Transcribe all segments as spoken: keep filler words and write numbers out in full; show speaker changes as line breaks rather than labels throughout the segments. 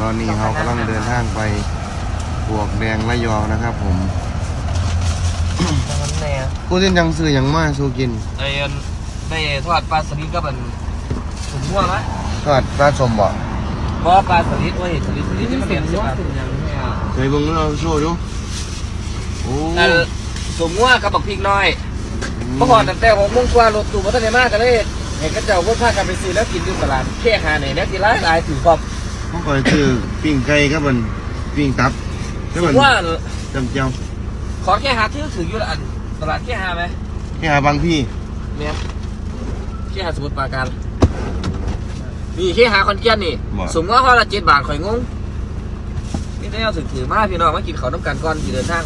อนนี้เรากำลังเดินทางไปบวกแดงระยองนะครับผมกูเส้นยังซื้อยังมาสู้กิน
ไอ้ได้ทอดปลาสลิดก็เป็นถุงมั่วไหม
ทอดปลาสมบ่
เพราะปลาสลิดว่าเห็นสลิดสลิดที่มันเปลี่ยนใช่ไหม
เคยเบิ่งเราโชว์ดูโอ้
ถุงมั่วกับบักพริกน้อยเมื่อก่อนแต่ผมมุ่งกว่ารถตู้มาตั้งแต่มากกันเลยเห็นกระเจ้าพวกพากันไปซื้อแล้วกินที่ตลาดแค่หาไหนแล้วกินร้ายลายถือความ
เมื่อก่อนคือปิ้งไก่ครับมันปิ้งตับ
ถุงมั่ว
จำเจ้า
ขอแค่หาที่ถืออยู่อันตลาดแค่หาไหม
แค่หาบางพี่
เนี่ยแค่หาสมุทรปราการนี่แค่หาคอนเกียนนี่สมมติว่าละเจ็ดบาทข่อยงงนี่ได้เอาถือถือมาพี่น้องมากินข้าวน้ำกันก่อนที่เดินทาง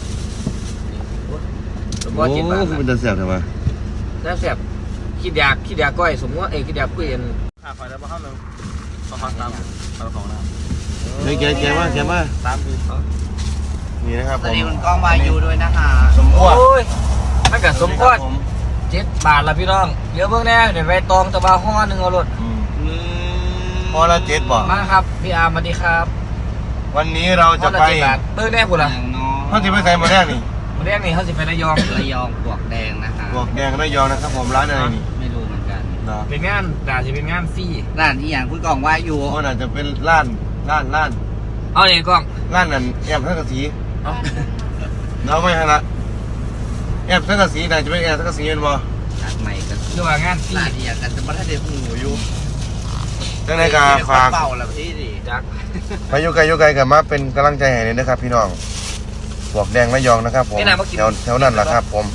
โอ้โหคือมันจะแสบใช่ไหม
แสบคิดอยากคิดอยากก้อยสมมติว่าเอคิดอยากคุยกันขาไฟแล้วมาเข้าหนึ่งสองพันสามพันสองนะ
เฮ้ยแกแกมาแกมา
ตามดี
นี่นะครับ
สวัสดีคุณกองวายูด้วยนะคะ
สมควร
ถ้าเกิดสมควรเจ็ดบาทละพี่น้องเยอะเพิ่งแน่เดี๋ยวไปตองตะบาห่อหนึ่งเอารถ
ห่อละเจ็ดบาท
มาครับพี่อาร์มสวัสดีครับ
วันนี้เราจะไป
เบิ้งแน่คุณล่ะ
เขาจะไปใส่มาแรกนี่
มาแรกนี่เขาจะไประยอง
ระยองปวกแดงนะคะ
ปวกแดงระยองนะครับผมร้านอะไรนี่
ไม่รู้เหมือนกัน
เป็นงานด่าจะเป็นงานฟรี
ร้านที่อย่างคุณกองวายู
ก็น่าจะเป็นร้านร้านร้าน
เอาเลยกล้อง
ร้านนั่นแอบทั้งกระสีเราไม่ฮะละแอบทั้งกระสีน่าจะเป็นแอบทั้งกระสีเป็นบ่
จากใหม่กัน
คือว่างานฟรี
ร้านที่อย่างกันจะมาถ้าเด็กหูอยู่
จังในการฝาก
เป่าแล้วพี่ดิ
จัก
ไปยุไกยุไกกันมาเป็นกำลังใจให้เลยนะครับพี่น้องปวกแดงระยองนะครับผมแถวแถวนั้นแหละครับผม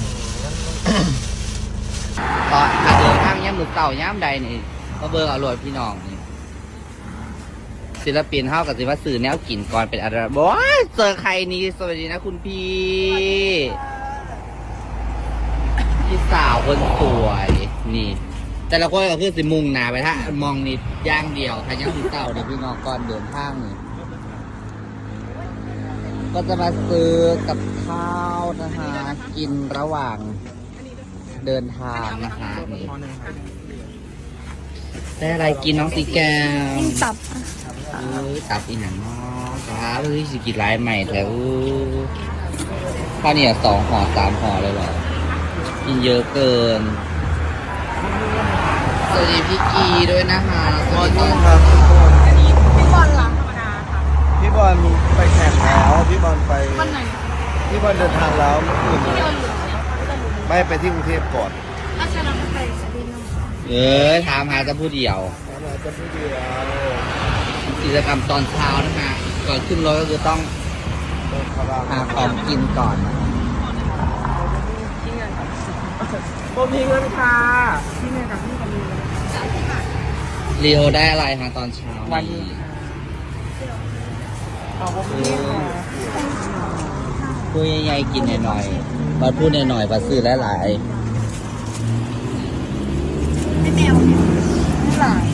ตอนถ้าเดินทางย่ำหมึกเต่าย่ำใดนี่มาเบอร์อร่อยพี่น้องนี่ศิลปินเท่ากับศิลปะสื่อแนวกลิ่นก่อนเป็นอะไรบอกว่าเจอใครนี่สวัสดีนะคุณพี่พี่สาวคนสวยนี่แต่ละคนก็คือสิมุงหนาไปถ้ามองนิดย่างเดียวถ้าย่างหมึกเต่าเนี่ยพี่น้องก่อนเดินทางนี่ก็จะมาซื้อกับข้าวนะคะกินระหว่างเดินทางนะคะนี่ได้อะไรกินน้องสีแก้ว
ตับ
เออตับอีหนังเนาะครับเฮ้ยสิกินร้ายใหม่แถวข้าวเนี่ยสองห่อสามห่อเลยเหรอกินเยอะเกินสวัสดีพี่กีด้วยนะคะ
สวัสดีครับ
พี่บอลหลังธรรมดาค่ะ
พี่บอลไปแข่งแล้วพี่บอลไป
วันไหน
พี่บอลเดินทางแล้วเมื่อคืนไม่ไปที่กรุงเทพก่อน
อาจารย์ไปสดิน
เออถามหาจะพูดเดียว
ถามหาจะพูดเดียว
กิจกรรมตอนเช้านะคะก่อนขึ้นรถก็คือต้องหาของกินก่อน
โบมีเงินค่ะ
ที่เงินกับพี่กันเลย
เรียวได้อะไรคะตอนเช้า
วันนี้
เอาโบมี
พูดใหญ่ๆกินหน่อยๆมาพูดหน่อยๆมาซื้อหลายๆ
ไม่แมวเนี่ยไม่หลาย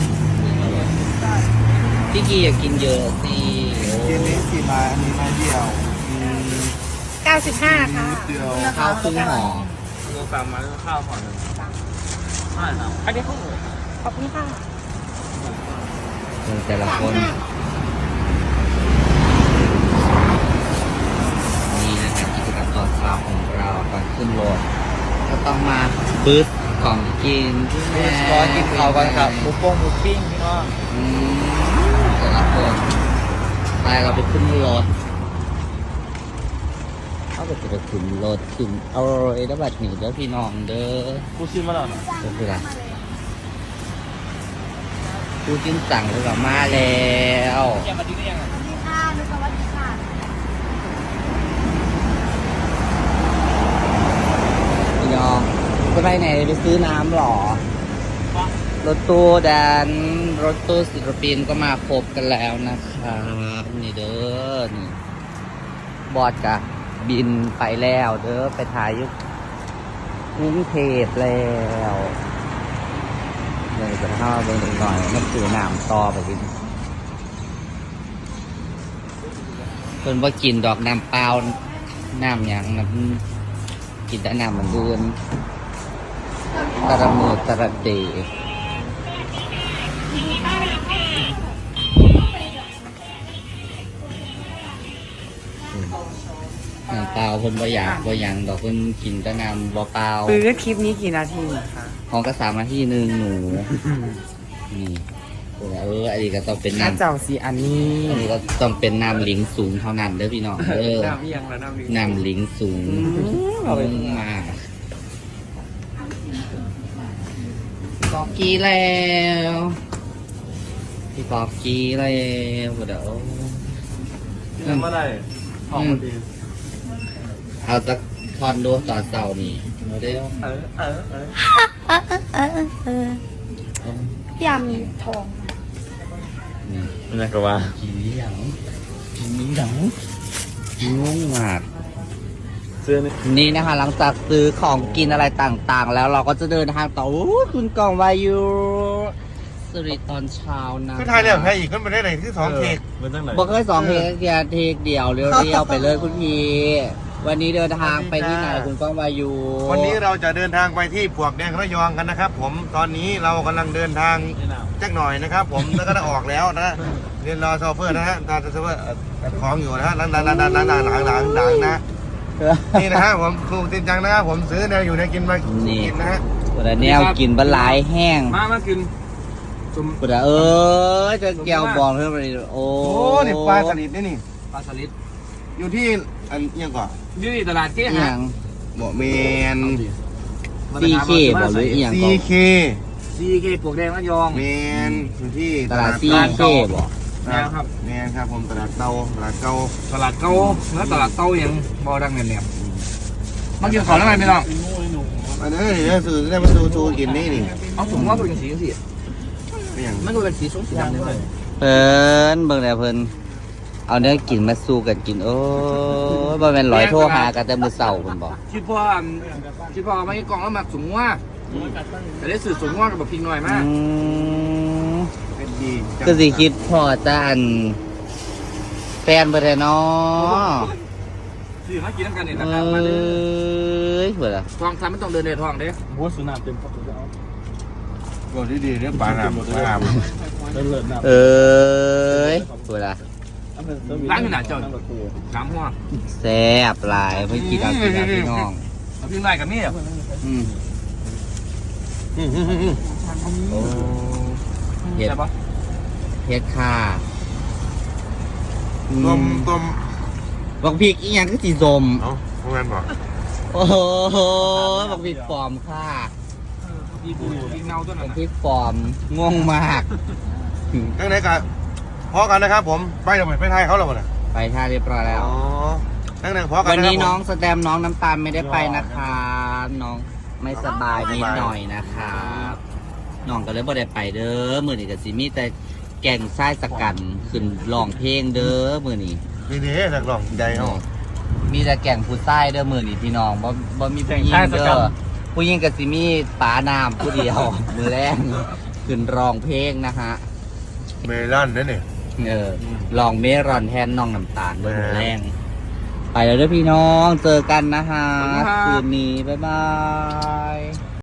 พี่กีอยากกินเยอะสิ
กินนี้สี่ไม้อันนี้ไม้เดียว
เก้าสิบห้าค่ะ
ข้าวครึ่งห่อ
รวมสามไม้ข้าวห่อหนึ่งใช่ครับอันนี้ข้าว
ขอบคุณค่ะ
แต่ละคนนี่นะครับกิจกรรมตอนเช้าของเราก่อนขึ้นรถก็ต้องมาบึ้ดของกิน
บึ้ดก่อนกินข้าวกันครับหมูป้งหมูปิ้งพี่น้อง
แต่ละคนไปเราไปขึ้นรถเขาไปจะไปขึ้นรถขึ้นเอาเลยแล้วบัดนี้เด้อพี่น้องเด้อ
กูซื้อมาแล้วนะ
ก็คืออะไรกูกินสั่งเลยกับมาแล้ว
แกมาดีได้ยังไง
ดีค่ะนึกว่าดีค่ะ
พี่น้องจะไปไหนไปซื้อน้ำหรอรถตู้แดนรถตู้ศิลปินก็มาครบกันแล้วนะครับนี่เด้อนี่บอดกะบินไปแล้วเด้อไปถ่ายยุคกรุงเทพแล้วเลยจะเข้าไปหน่อยมันคือน้ำต่อไปกินเพิ่นว่ากินดอกน้ำเปล่าน้ำอย่างน้ำกินแต่น้ำมันเดือนตระมือตระเดน้ำเปล่าคนบ่อยากบ่หยังดอกคนกินแต่น้ำบ่เปล่า
ปื้อคลิปนี้กี่นาทีคะ
ของก็สามนาทีหนึ่งหนูนี่เอออันนี้ก็ต้องเป็น
น้า
น้ำ
เจ้าสีอันนี้
อันนี้ก็ต้องเป็นน้ำลิงสูงเท่านั้นเด้อพี่น้องเออ
น้ำเอียงแล้วน้ำลิง
น้ำลิงสูง
เอาไป
มากกอกกี้แล้วพี่กอกกี้แล้วเดี๋ยว
เมื่อไรออกมาดี
เอาสักทอนดูตอนเสาร์นี่โมเดล
เออเออเออ
เออเออเออเออยำทอง
นี่
นี่ก็ว่า
กี่เหลียงกี่เหลียงงงมาก
เสื้อนี่
นี่นะคะหลังจากซื้อของกินอะไรต่างๆ แล้วเราก็จะเดินทางต่อโอ้ยคุณกองวายุสริตอนเช้านะ
คือไทยเนี่ยแพ้อีกขึ้นไปได้ไหนที่สองเทก
มันตั้งไหน
บอกเคยสองเทคเดียวเทคเดียวเรียวๆไปเลยคุณพี่วันนี้เดินทางไปที่ไหนคุณกองวายุ
วันนี้เราจะเดินทางไปที่ปวกแดงระยองกันนะครับ ผมตอนนี้เรากำลังเดินทางจักหน่อยนะครับ ผมแล้วก็ได้ออกแล้วนะเรียนรอโซเฟอร์นะฮะรอโซเฟอร์ของอยู่นะฮะหลังหลังหลังหลังหลังหลังหลังหลังหลังนะนี่นะฮะผมครูจริงจังนะครับผมซื้อแนวอยู่ในกินมากินนะฮะ
วันนี้เอากินบะหลายแห้ง
มามากินจุ่ม
วันนี้เออจะแก้วบอลเพิ่มไปโอ้
โอ้นี่ปลาสลิดนี่นี่
ปลาสลิด
อยู่ที่อันเอียงก่อน
อยู่ที่ตลาดเจ๊
อ
ฮะ
ย่าง
หมอเมน
ซีเคบอกหรืออหย่าง
ซี
ก่อน
เค
ซีเคปลวกแดงระยอง
เมนอยู่ที่
ตลาดซีเคบอก
แมนครับแมนครับผมตลาดเตาตลาดเก่า
ตลาดเก่าแล้วตลาดเต้ายังบ่ดังเนี่ยเนี่ยมากินของแล้วไงพี่น้อง
อันนี้เดี๋ยวซื้อได้มาดูชูกินนี่นี่
เอาถุงว่าเป็นสีสี
ไม่อย่าง
มันก็เป็นสีส้มสีดำเลย
เพิ่นเบิ่งแล้วเพิ่นเอาเนื้อกินมาสู้กันกินโอ้ยบ่แม่นร้อยโทรหากันแต่มื้อเช้าเพิ่นบอก
คิดพ่อคิดพ่อไม่กล่องแล้วหมักถุงว่าแต่ได้สื่อถุงว่ากับแบบพิงหน่อยมาก
อืม
เป็นดี
ก็สิคิดพอจะอันแฟนเบ่ได้เนาะ
สื่อมากินน้ำกันเนี่ย
เอ
นะครับมาเด้อ้
ยเบิ่ล่ะ
ทองทำไม่ต้องเดินในทองเด้
หัวสุนัขเต็มครับจะเอา
ก็ดีดีเรื่องปลาหนามปลาหนาม
เลิศเลิศนะ
เอ้ยเบิ่ล่ะ
ร้านอยู่ไหนเจ้าสามหัว
แซ่บหลายเพิ่นกินเอากินเอาพี่น้อง
เอาพิงหน่อยกับมี่อ่ะ
อืม
อืมอืมอืมอืม
โอ้เฮ็ด
ใช่ปะ
เฮ็ดค่ะ
ต้มต้ม
บักพริกอีหยังคือสีส้ม
เอ้าพวกนั้นบอก
โอ้โหบักพริกปลอมค่ะ
พี่ปูพี่เงาตัวนั้
บั
น
กพริกปลอมงงมาก
ยังไงกันพอกันนะครับ ผมไปเดี๋ยวไปไทยเขาแล้วนะ
ไปท่าเรียบร้อยแล้ว
อ๋อยังไงพอกัน
วัน
นะค
นี้
รับ
น้อง
ผม
สแตมน้องน้ำตาลไม่ได้ไปนะคะ น้องไม่สบายนิดหน่อยนะครับน้องก็เลยบ่ได้ไปเด้อมื้อนี้ก็สิมีแต่แก่งทรายสกันขึ้นร้องเพลงเด้อมื้อนี้
นี่นี่สักหล่องใจเขา
มีแต่แก่งผู้ชายเด้อมื้อนี้พี่น้องบ่บ่มีผู้หญิงเด้อผู้หญิงก็สิมีป๋าน้ำผู้เดียว มื้อแรกขึ้นร้องเพลงนะฮะ
เมลอนนั่นนี่
เออลองเมรอนแทนน้องน้ำตาลด้วยหมดแรง ไปแล้วเด้วยพี่น้องเจอกันนะฮะ คืนนี้ บ๊ายบาย